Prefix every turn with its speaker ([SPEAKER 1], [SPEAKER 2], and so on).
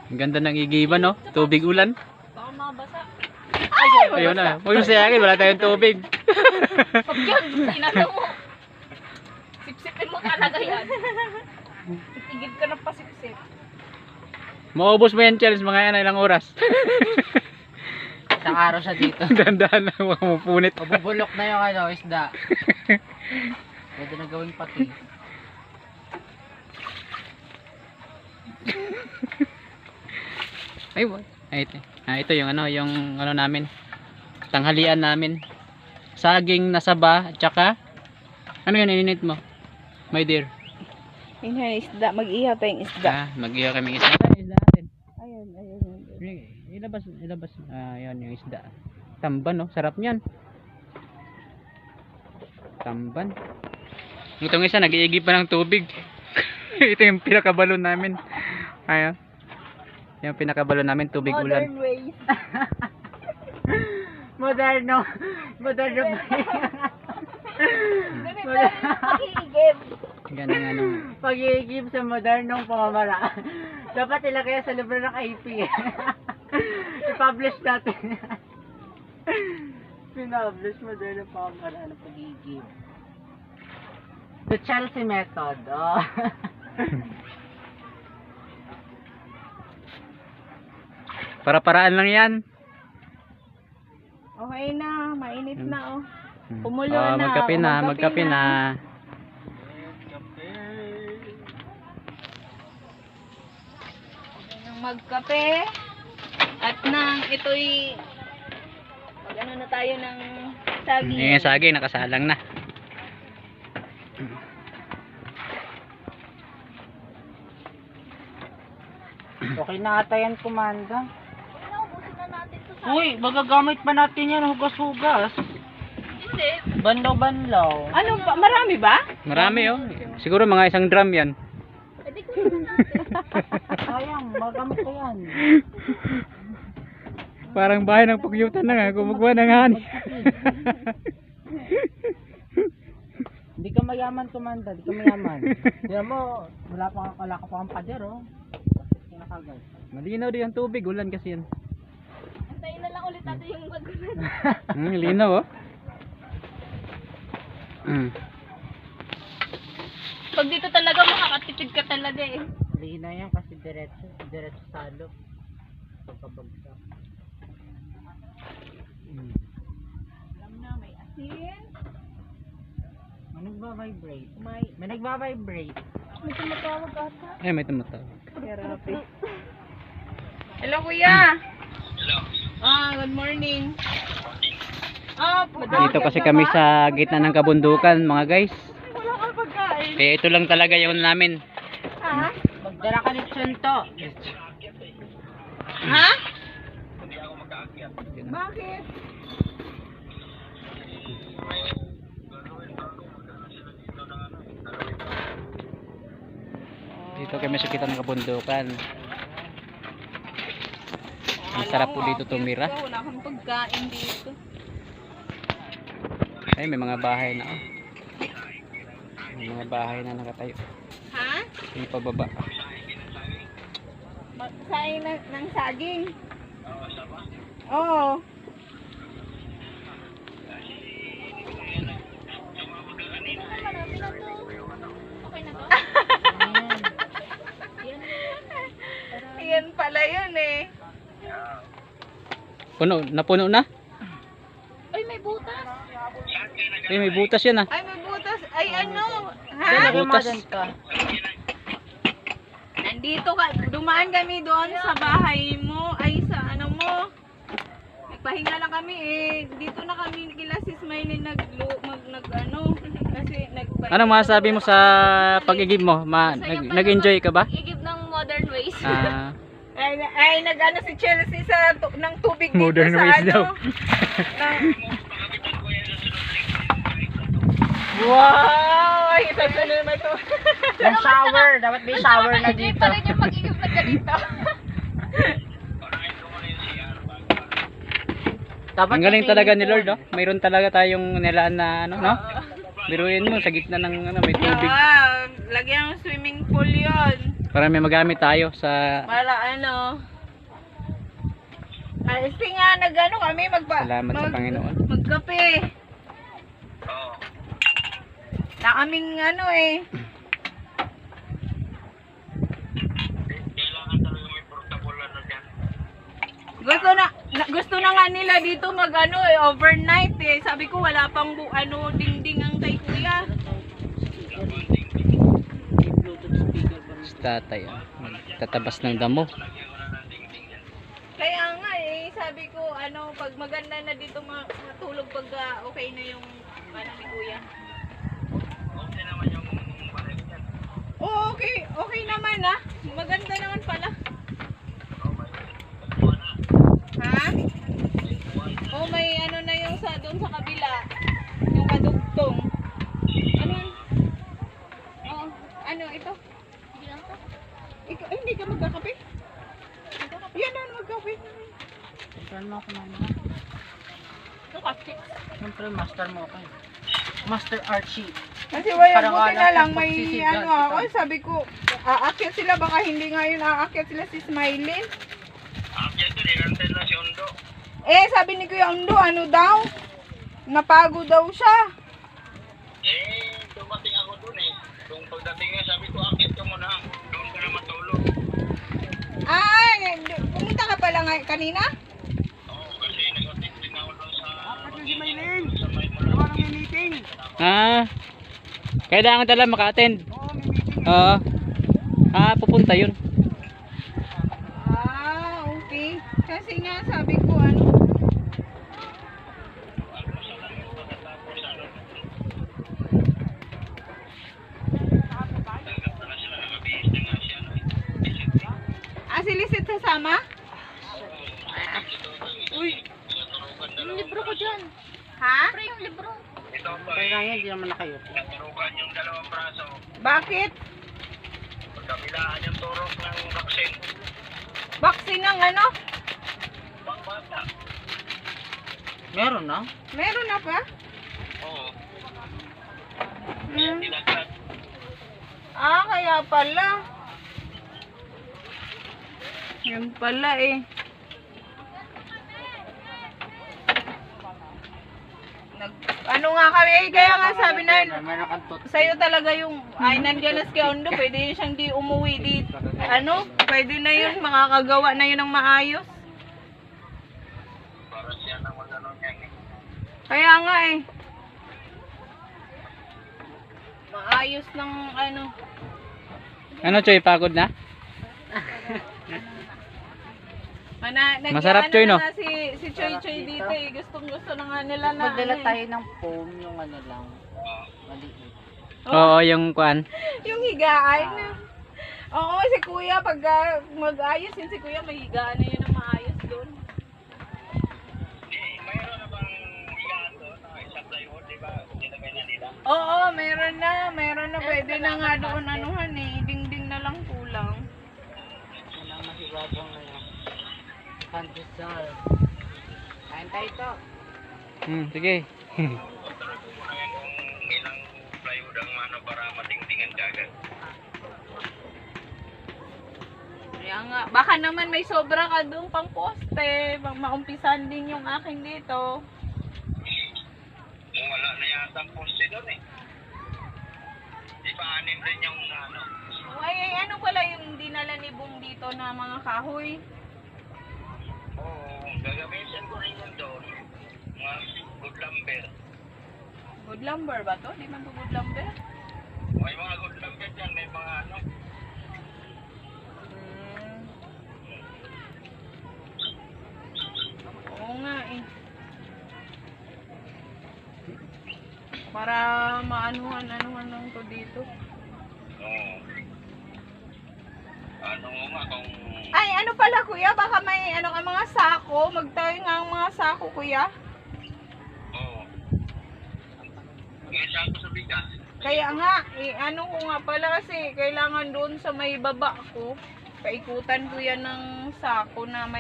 [SPEAKER 1] Ang ganda ng igiban, no? Tubig ulan.
[SPEAKER 2] Baka mabasa.
[SPEAKER 1] Ayun na. Huwag yung sayangin, wala tayong tubig.
[SPEAKER 2] Pag yun, sinalo mo. Sipsipin mo talaga yan. Titigil ka ng pasipsip.
[SPEAKER 1] Maubos mo yan, Charles, mga yan, ilang oras.
[SPEAKER 3] Isang araw siya dito.
[SPEAKER 1] Dandahan na, huwag mo punit.
[SPEAKER 3] Mabubulok na yung ano, isda. Pwede na gawing pati.
[SPEAKER 1] Ay, what? Ito yung ano namin. Tanghalian namin. Saging na saba, at saka ano yan ininit mo? My dear.
[SPEAKER 2] Yun isda. Mag-ihaw tayong isda.
[SPEAKER 1] Mag-iyo kami isda. Isda natin.
[SPEAKER 2] Ayun.
[SPEAKER 1] Ilabas. Yan yung isda. Tamban, no? Sarap niyan. Tamban. Itong isa, nag-iigib pa ng tubig. Ito yung pinakabalon namin. Ayan. Yung pinakabalon namin, tubig ulan.
[SPEAKER 2] Modern ways.
[SPEAKER 3] Moderno ba?
[SPEAKER 2] Ganito yung pag-iigib.
[SPEAKER 1] Ganang ano.
[SPEAKER 3] Pag-iigib sa modernong pamamaraan. Dapat ilagay sa libro ng IP. I-publish natin. Pinapublish modernong pamamaraan ng pag-iigib. The Chelsea method. Oh.
[SPEAKER 1] Para-paraan lang yan.
[SPEAKER 2] Okay na. Mainit na, oh. Kumulo na.
[SPEAKER 1] Magkape na, magkape na.
[SPEAKER 2] Magkape. At nang ito'y mag-ano na tayo ng saging.
[SPEAKER 1] Yung saging, nakasalang na.
[SPEAKER 3] Okay na ata yan, Kumanda.
[SPEAKER 2] Naubusin na natin to sa...
[SPEAKER 3] Uy, magagamit pa natin yan, hugas-hugas.
[SPEAKER 2] Hindi.
[SPEAKER 3] Banlaw-banlaw.
[SPEAKER 2] Ano ba? Marami ba?
[SPEAKER 1] Marami, oh. Siguro mga isang drum yan.
[SPEAKER 2] Pwede ko naman natin.
[SPEAKER 3] Sayang, magamit ko yan.
[SPEAKER 1] Parang bahay ng pugyutan na nga, gumagawa ng hani.
[SPEAKER 3] Hindi ka mayaman, Kumanda. Hindi ka mayaman. Tignan mo, wala ka pa kang pader, oh. Kinakagay.
[SPEAKER 1] Malinaw din ang tubig, ulan kasi yan.
[SPEAKER 2] Antayin na lang ulit natin yung magulan.
[SPEAKER 1] Linaw, oh.
[SPEAKER 2] Pag dito talaga makakatipid ka talaga eh.
[SPEAKER 3] Lina yan kasi diretso salo. Pagkabagsak.
[SPEAKER 2] Alam na, may asin.
[SPEAKER 3] May nagba-vibrate.
[SPEAKER 2] May...
[SPEAKER 3] May nagba-vibrate.
[SPEAKER 2] May tumatawag ata.
[SPEAKER 1] May tumatawag.
[SPEAKER 2] Therapy. Hello, kuya. Hello. Good morning.
[SPEAKER 1] Dito kasi kami sa gitna ng kabundukan, mga guys.
[SPEAKER 2] Wala kang pagkain.
[SPEAKER 1] Kaya ito lang talaga yung namin.
[SPEAKER 2] Ha?
[SPEAKER 3] Magdala ka ni Chunto.
[SPEAKER 2] Ha? Bakit?
[SPEAKER 1] Dito kami sa gitna ng kabundukan. Ang sarap po dito tumira.
[SPEAKER 2] Wala kang pagkain dito.
[SPEAKER 1] Ay, may mga bahay na, oh. May mga bahay na nakatayo.
[SPEAKER 2] Ha?
[SPEAKER 1] Yung pababa.
[SPEAKER 2] Magsain ng saging. Oo. Okay na to? Yan pala yun eh.
[SPEAKER 1] Napuno na?
[SPEAKER 2] Ay, may butas.
[SPEAKER 1] Ay, may butas yan, ah.
[SPEAKER 2] Ay, may butas. Ay, ano?
[SPEAKER 3] Dala
[SPEAKER 2] Ha?
[SPEAKER 3] ka
[SPEAKER 1] Butas.
[SPEAKER 3] ka.
[SPEAKER 2] Nandito ka. Dumaan kami doon sa bahay mo. Ay, sa ano mo. Nagpahinga lang kami eh. Dito na kami kila si Smiley nag ano. Kasi nagpahinga.
[SPEAKER 1] Ano masasabi mo sa pag-igib mo? Nag-enjoy ka ba?
[SPEAKER 2] Igib ng modern ways.
[SPEAKER 1] Ah,
[SPEAKER 2] Ay nag-ano si Chelsea sa ng tubig dito
[SPEAKER 1] Modern
[SPEAKER 2] sa
[SPEAKER 1] ways
[SPEAKER 2] ano.
[SPEAKER 1] daw.
[SPEAKER 2] Wow! Ay, ito na naman ito.
[SPEAKER 3] May shower. Dapat may shower na
[SPEAKER 2] Hindi
[SPEAKER 3] dito.
[SPEAKER 2] pa rin yung pag-igib na ganito.
[SPEAKER 3] Dapat
[SPEAKER 1] ang galing
[SPEAKER 3] kasi
[SPEAKER 1] talaga ni
[SPEAKER 3] yun.
[SPEAKER 1] Lord, oh. Mayroon talaga tayong nilaan na ano, no? Biruin mo sa gitna ng ano, may tubig.
[SPEAKER 2] Wow, lagyan ng swimming pool 'yon.
[SPEAKER 1] Para may magamit tayo sa...
[SPEAKER 2] Para ano. Kasi nga nag-ano kami
[SPEAKER 1] Salamat sa Panginoon.
[SPEAKER 2] Magkape. Na kaming ano eh. Gusto na nga nila dito mag-ano eh, overnight eh. Sabi ko wala pang dingding ang kay kuya.
[SPEAKER 1] Si tatay, tatabas ng damo.
[SPEAKER 2] Kaya nga eh, sabi ko pag maganda na dito matulog pag okay na yung ni kuya. Oh, okay. Okay naman ah. Maganda naman pala. Ha? Oh, may na yung doon sa kabila. Yung kadugtong. Ano? Oh, ito? Ikaw, hindi ka magkakape? Yan na, magkape.
[SPEAKER 3] Saan mo ako mama?
[SPEAKER 2] Ito kasi.
[SPEAKER 3] Siyempre, master mo ako. Master Archie.
[SPEAKER 2] Kasi wala,
[SPEAKER 3] Parang
[SPEAKER 2] buti
[SPEAKER 3] wala
[SPEAKER 2] na lang
[SPEAKER 3] kang
[SPEAKER 2] may
[SPEAKER 3] pagsisidlan,
[SPEAKER 2] ako.
[SPEAKER 3] ito.
[SPEAKER 2] Sabi ko, aakyat sila. Baka hindi ngayon aakyat sila si Smiley. Sabi ni Kuya Undo, ano daw? Napago daw siya.
[SPEAKER 4] Dumating ako dun eh. Kung pagdating niya, sabi ko, akit ka muna. Doon ka na matulog.
[SPEAKER 2] Pumunta ka pala kanina?
[SPEAKER 4] Oo, kasi nag-attend din ako doon sa...
[SPEAKER 3] Si Maylin!
[SPEAKER 4] Sa may
[SPEAKER 3] Gawa ng may meeting!
[SPEAKER 1] Kailangan talaga maka-attend.
[SPEAKER 3] Oo, may meeting.
[SPEAKER 1] Oo. Pupunta yun.
[SPEAKER 2] Okay. Kasi nga sabi ko si Lisit sasama? Uy.
[SPEAKER 4] Yung libro ko dyan.
[SPEAKER 2] Ha?
[SPEAKER 4] Yung libro. Ito ba
[SPEAKER 3] Kaya nga yan, hindi naman nakayo.
[SPEAKER 4] naturukan yung dalawang braso.
[SPEAKER 2] Bakit?
[SPEAKER 4] Pagkabilaan yung turok ng vaccine.
[SPEAKER 2] Vaccine ng
[SPEAKER 4] Pangbata.
[SPEAKER 3] Meron na?
[SPEAKER 2] Meron na pa?
[SPEAKER 4] Oo.
[SPEAKER 2] Hmm.
[SPEAKER 4] Nilaglag.
[SPEAKER 2] Kaya pala. Yan pala eh. Nga kami kaya nga sabi na
[SPEAKER 3] Meron kang tot.
[SPEAKER 2] sa'yo talaga yung nandiyan na si Kuya Undo, pwede yun siyang di umuwi dito. Pwede na yun, makakagawa na yun ng maayos.
[SPEAKER 4] Para siya na mag-ano niyan eh.
[SPEAKER 2] Kaya nga eh. Maayos ng
[SPEAKER 1] Ano, Choy? Pagod na? Masarap, Choy, no?
[SPEAKER 2] Si Choy Choy dito eh. Gustong-gusto na nga nila na
[SPEAKER 3] Magdala tayo ng foam, yung lang. Maliit.
[SPEAKER 1] Oo, yung kuan.
[SPEAKER 2] Yung higaan. Oo, si Kuya, pag mag-ayos yun si Kuya, may higaan na yun ang maayos doon.
[SPEAKER 4] Mayroon na bang higaan doon? Isang plywood, di ba? Nilagay na nila.
[SPEAKER 2] Oo, meron na. Pwede na nga doon dingding na lang kulang.
[SPEAKER 3] Walang masibabang na yun. Pandesal. Kain tayo ito.
[SPEAKER 1] Sige.
[SPEAKER 4] Tanong ko muna yan kung ilang plywood ang para matingtingan kagad.
[SPEAKER 2] Kaya nga, baka naman may sobra ka doon pang poste. Maumpisan din yung akin dito.
[SPEAKER 4] Wala na yata ang poste doon eh. Di ba anin rin yung
[SPEAKER 2] Ay, ano pala yung dinala ni Boom dito na mga kahoy?
[SPEAKER 4] Oo, gagamitin ko rin yun doon. Mga good lumber.
[SPEAKER 2] Good lumber ba to? Di man to good lumber?
[SPEAKER 4] May mga good lumber dyan, may mga
[SPEAKER 2] Oo nga eh. Para maanuhan lang to dito.
[SPEAKER 4] Oo. Ano nga kung...
[SPEAKER 2] Ay, ano pala kuya? Baka may ka mga sako. Magtayo nga ang mga sako kuya.
[SPEAKER 4] Oo. Ngayon siya ako sa bigas.
[SPEAKER 2] Kaya nga, ko nga pala kasi kailangan doon sa may baba ko. Paikutan ko yan ng sako na may